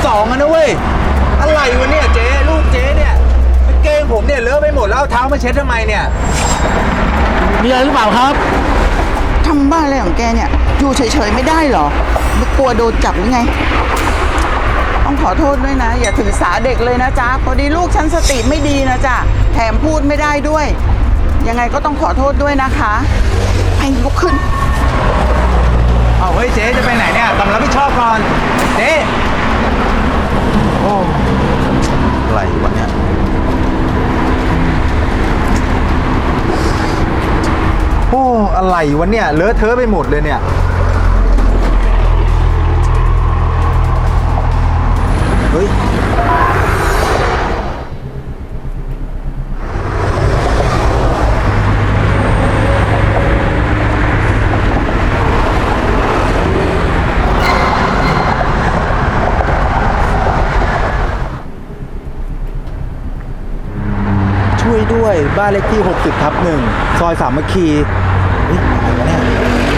2อะนะเว้ยอะไรวะเนี่ยเจ๊ลูกเจ๊เนี่ยเกงผมเนี่ยเลอะไปหมดแล้วเอาเท้ามาเช็ดทำไมเนี่ยมีอะไรหรือเปล่าครับทำบ้าอะไรของแกเนี่ยอยู่เฉยๆไม่ได้หรอไม่กลัวโดนจับหรือไงต้องขอโทษด้วยนะอย่าถือสาเด็กเลยนะจ๊ะพอดีลูกฉันสติไม่ดีนะจ๊ะแถมพูดไม่ได้ด้วยยังไงก็ต้องขอโทษด้วยนะคะไปลุกขึ้นเอาเฮ้ยเจ๊จะไปไหนเนี่ยกำลังรับผิดชอบก่อนเจ๊โอ้อะไรวะเนี่ยโอ้อะไรวะเนี่ยเลอะเทอะไปหมดเลยเนี่ยเฮ้ยช่วยด้วยบ้านเลขที่60/1ซอยสามัคคีเฮ้ยอะไรวะเนี่ย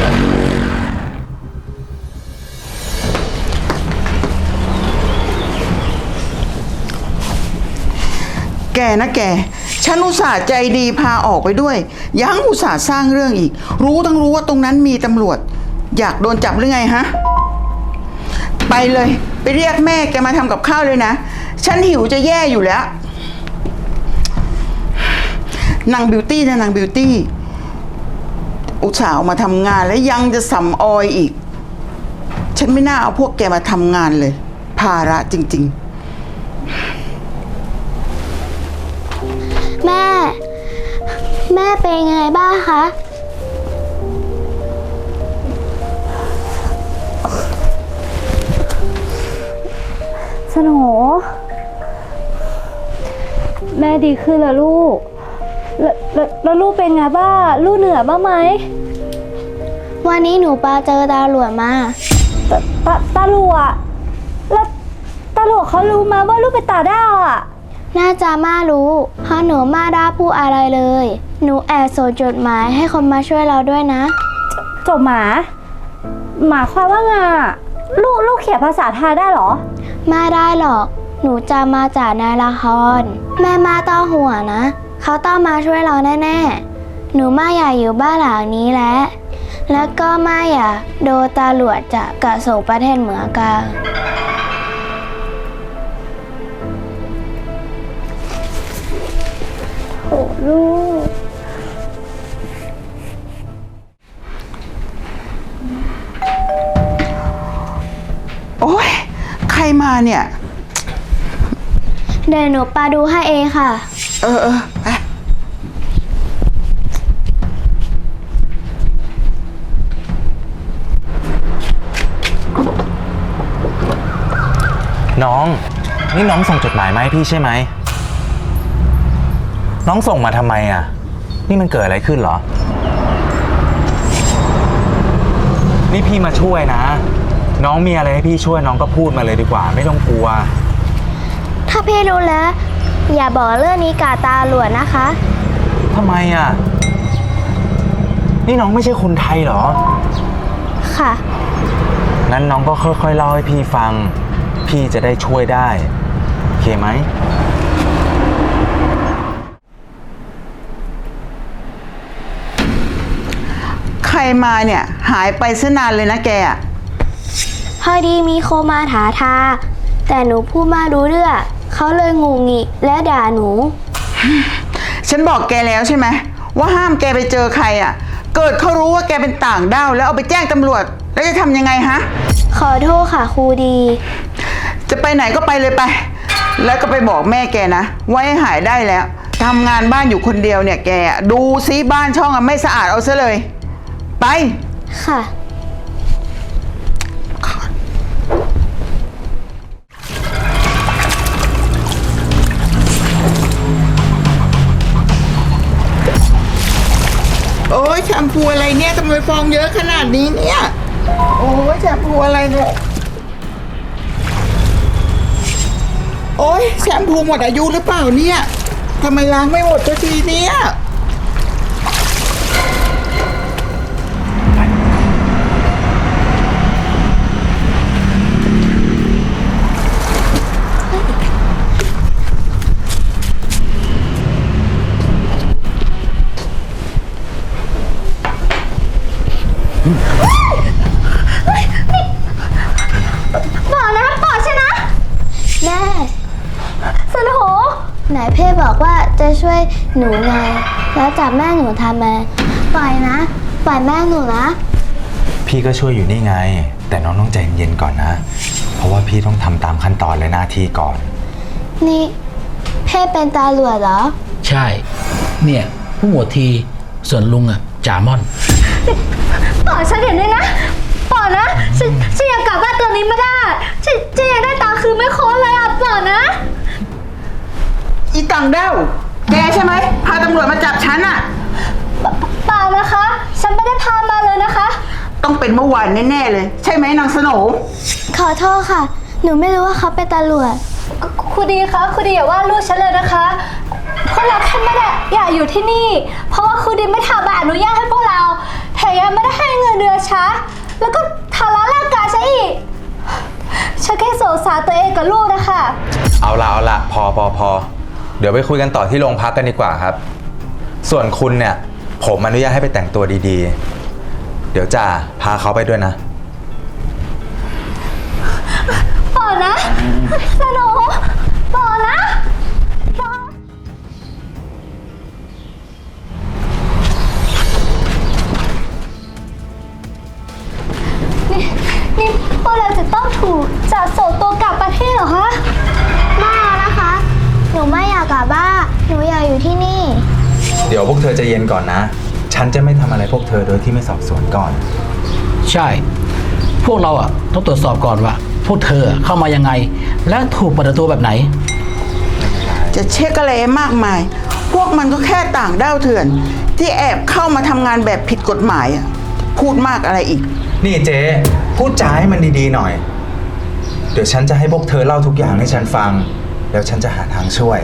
แกนะแกฉันอุตส่าห์ใจดีพาออกไปด้วยยังอุตส่าห์สร้างเรื่องอีกรู้ว่าตรงนั้นมีตำรวจอยากโดนจับหรือไงฮะไปเลยไปเรียกแม่แกมาทำกับข้าวเลยนะฉันหิวจะแย่อยู่แล้วนางบิวตี้นะนางบิวตี้อุตส่าห์มาทำงานแล้วยังจะสำออยอีกฉันไม่น่าเอาพวกแกมาทำงานเลยภาระจริงๆแม่เป็นยังไงบ้างคะสโหนแม่ดีขึ้นแล้วลูกแล้วลูกเป็นไงบ้างลูกเหนื่อยบ้างไหมวันนี้หนูปาเจอตาหลวดมาตาหลวดแล้วตาหลวดเขารู้มาว่าลูกเป็นตาด้าวอ่ะน่าจะมารู้เพราะหนูมาได้พูดอะไรเลยหนูแอบส่งจดหมายให้คนมาช่วยเราด้วยนะจดหมายหมายความว่าไงลูกเขียนภาษาไทยได้หรอไม่ได้หรอกหนูจะมาจากในละครแม่มาต้องห่วงนะเขาต้องมาช่วยเราแน่ๆหนูไม่อยากอยู่บ้านหลังนี้แล้วก็ไม่อยากโดนตำรวจจับกระส่งประเทศเหมือนกันโอ้ลูกโอ๊ยใครมาเนี่ยเดี๋ยวหนูปาดูให้เองค่ะไปน้องนี่น้องส่งจดหมายมาให้พี่ใช่ไหมน้องส่งมาทำไมอ่ะนี่มันเกิดอะไรขึ้นเหรอนี่พี่มาช่วยนะน้องมีอะไรให้พี่ช่วยน้องก็พูดมาเลยดีกว่าไม่ต้องกลัวถ้าพี่รู้แล้วอย่าบอกเรื่องนี้กับตาหลวดนะคะทำไมอ่ะนี่น้องไม่ใช่คนไทยเหรอค่ะงั้นน้องก็ค่อยๆเล่าให้พี่ฟังพี่จะได้ช่วยได้โอเคไหมใครมาเนี่ยหายไปซะนานเลยนะแกอะพอดีมีโคมาถาทาแต่หนูพูดมารู้เรื่องเขาเลยงุงงิและด่าหนูฉันบอกแกแล้วใช่ไหมว่าห้ามแกไปเจอใครอ่ะเกิดเขารู้ว่าแกเป็นต่างด้าวแล้วเอาไปแจ้งตำรวจแล้วจะทำยังไงฮะขอโทษค่ะครูดีจะไปไหนก็ไปเลยไปแล้วก็ไปบอกแม่แกนะว่าให้หายได้แล้วทำงานบ้านอยู่คนเดียวเนี่ยแกดูซิบ้านช่องไม่สะอาดเอาซะเลยไปค่ะโอ้ยแชมพูอะไรเนี่ยทำไมฟองเยอะขนาดนี้เนี่ยโอ้ยแชมพูอะไรเนี่ยโอ้ยแชมพูหมดอายุหรือเปล่าเนี่ยทำไมล้างไม่หมดสักทีเนี่ยบอกนะบอกใช่นะแม่สโหนไหนเพ่บอกว่าจะช่วยหนูไงแล้วจับแม่หนูทำไมปล่อยนะปล่อยแม่หนูนะพี่ก็ช่วยอยู่นี่ไง แต่น้องต้องใจเย็นๆก่อนนะ เพราะว่าพี่ต้องทำตามขั้นตอนและหน้าที่ก่อนนี่เพ่เป็นตาหลวดเหรอใช่ เนี่ยผู้หมวดทีส่วนลุงอะจ่ามอนปล่อยฉันเห็นด้วยนะปล่อยนะฉันอยากกลับบ้านตัวนี้ไม่ได้ฉันอยากได้ตาคืนไม่โค้นเลยอ่ะปล่อยนะอีต่างด้าวแกใช่ไหมพาตำรวจมาจับฉันอะเปล่านะคะ ฉันไม่ได้พามาเลยนะคะต้องเป็นเมื่อวานแน่ๆเลย ใช่ไหมนางสโหนขอโทษค่ะ หนูไม่รู้ว่าเขาเป็นตำรวจครูดีคะครูดีอย่าว่าลูกฉันเลยนะคะพวกเราแค่ไม่ได้อยากอยู่ที่นี่ เพราะว่าครูดีไม่ทำใบอนุญาตให้พวกเราแถมยังไม่ได้ให้เงินเดือนช้าแล้วก็ทำร้ายร่างกายฉันอีกฉันแค่สงสารตัวเองกับลูกนะคะเอาละพอเดี๋ยวไปคุยกันต่อที่โรงพักกันดีกว่าครับ ส่วนคุณเนี่ยผมอนุญาตให้ไปแต่งตัวดีๆ เดี๋ยวจ่าพาเขาไปด้วยนะปล่อยนะสโหนปล่อยนะปล่อยนี่พวกเราจะต้องถูกจับส่งตัวกลับประเทศเหรอคะไม่นะคะ หนูไม่อยากกลับบ้านหนูอยากอยู่ที่นี่เดี๋ยวพวกเธอใจเย็นก่อนนะ ฉันจะไม่ทำอะไรพวกเธอโดยที่ไม่สอบสวนก่อนใช่ พวกเราอะต้องตรวจสอบก่อนว่า พวกเธอเข้ามายังไง และถูกปฏิบัติตัวแบบไหนจะเช็คอะไรมากมาย พวกมันก็แค่ต่างด้าวเถื่อน ที่แอบเข้ามาทำงานแบบผิดกฎหมายอะพูดมากอะไรอีกนี่เจ๊พูดจาให้มันดีๆหน่อย เดี๋ยวฉันจะให้พวกเธอเล่าทุกอย่างให้ฉันฟัง แล้วฉันจะหาทางช่วย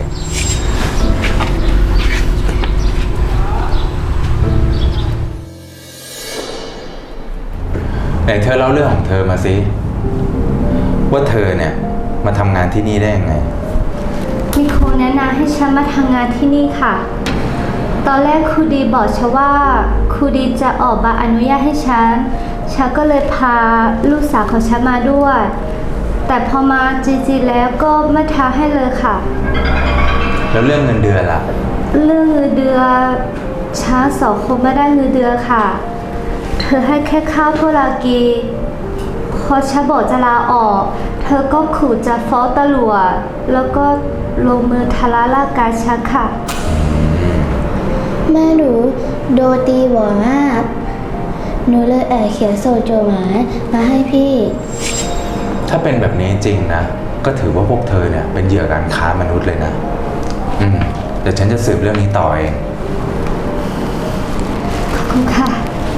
ไหนเธอเล่าเรื่องของเธอมาสิว่าเธอเนี่ยมาทำงานที่นี่ได้ยังไงมีครูแนะนำให้ฉันมาทำงานที่นี่ค่ะ ตอนแรกครูดีบอกฉันว่าครูดีจะออกใบอนุญาตให้ฉันก็เลยพาลูกสาวของฉันมาด้วย แต่พอมาจริงๆแล้วก็ไม่ท้าให้เลยค่ะแล้วเรื่องเงินเดือนล่ะเรื่องเงินเดือนฉันสองคนไม่ได้เงินเดือนค่ะ เธอให้แค่ข้าวพวกเรากินพอฉันบอกจะลาออก เธอก็ขู่จะฟ้องตำรวจแล้วก็ลงมือทำร้ายร่างกายฉันค่ะ แม่หนูโดนตีบ่อยมาก หนูเลยเขียนส่งจดหมายมาให้พี่ถ้าเป็นแบบนี้จริงนะ ก็ถือว่าพวกเธอเนี่ยเป็นเหยื่อการค้ามนุษย์เลยนะ เดี๋ยวฉันจะสืบเรื่องนี้ต่อเองขอบคุณค่ะ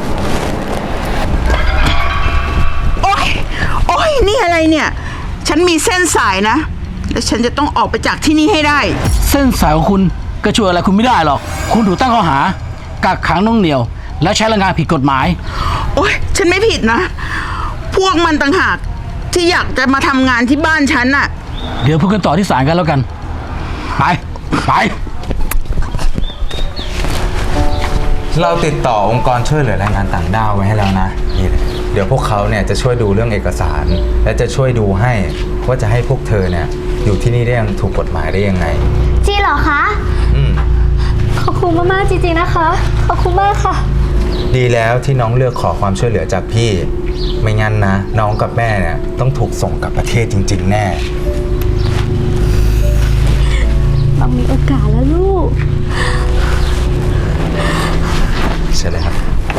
โอ๊ยนี่อะไรเนี่ย ฉันมีเส้นสายนะ แล้วฉันจะต้องออกไปจากที่นี่ให้ได้เส้นสายของคุณก็ช่วยอะไรคุณไม่ได้หรอก คุณถูกตั้งข้อหากักขังน่วงเหนี่ยว และใช้แรงงานผิดกฎหมายโอ๊ยฉันไม่ผิดนะ พวกมันต่างหากที่อยากจะมาทำงานที่บ้านฉันน่ะเดี๋ยวพูดกันต่อที่ศาลกันแล้วกัน ไปเราติดต่อองค์กรช่วยเหลือแรงงานต่างด้าวไว้ให้แล้วนะนี่เลยเดี๋ยวพวกเขาเนี่ยจะช่วยดูเรื่องเอกสาร และจะช่วยดูให้ว่าจะให้พวกเธอเนี่ยอยู่ที่นี่ได้อย่างถูกกฎหมายได้ยังไงจริงเหรอคะ ขอบคุณมากๆจริงๆนะคะ ขอบคุณมากค่ะดีแล้วที่น้องเลือกขอความช่วยเหลือจากพี่ ไม่งั้นนะน้องกับแม่เนี่ยต้องถูกส่งกลับประเทศจริงๆแน่เรามีโอกาสแล้วลูกใช่เลยครับไป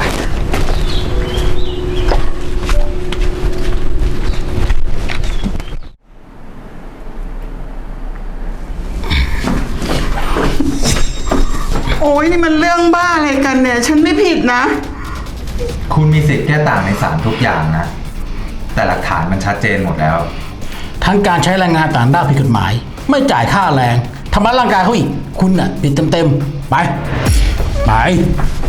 โอ๊ยนี่มันเรื่องบ้าอะไรกันเนี่ย ฉันไม่ผิดนะคุณมีสิทธิ์แก้ต่างในศาลทุกอย่างนะ แต่หลักฐานมันชัดเจนหมดแล้วทั้งการใช้แรงงานต่างด้าวผิดกฎหมาย ไม่จ่ายค่าแรงทำร้ายร่างกายเขาอีก คุณน่ะผิดเต็มๆ ไป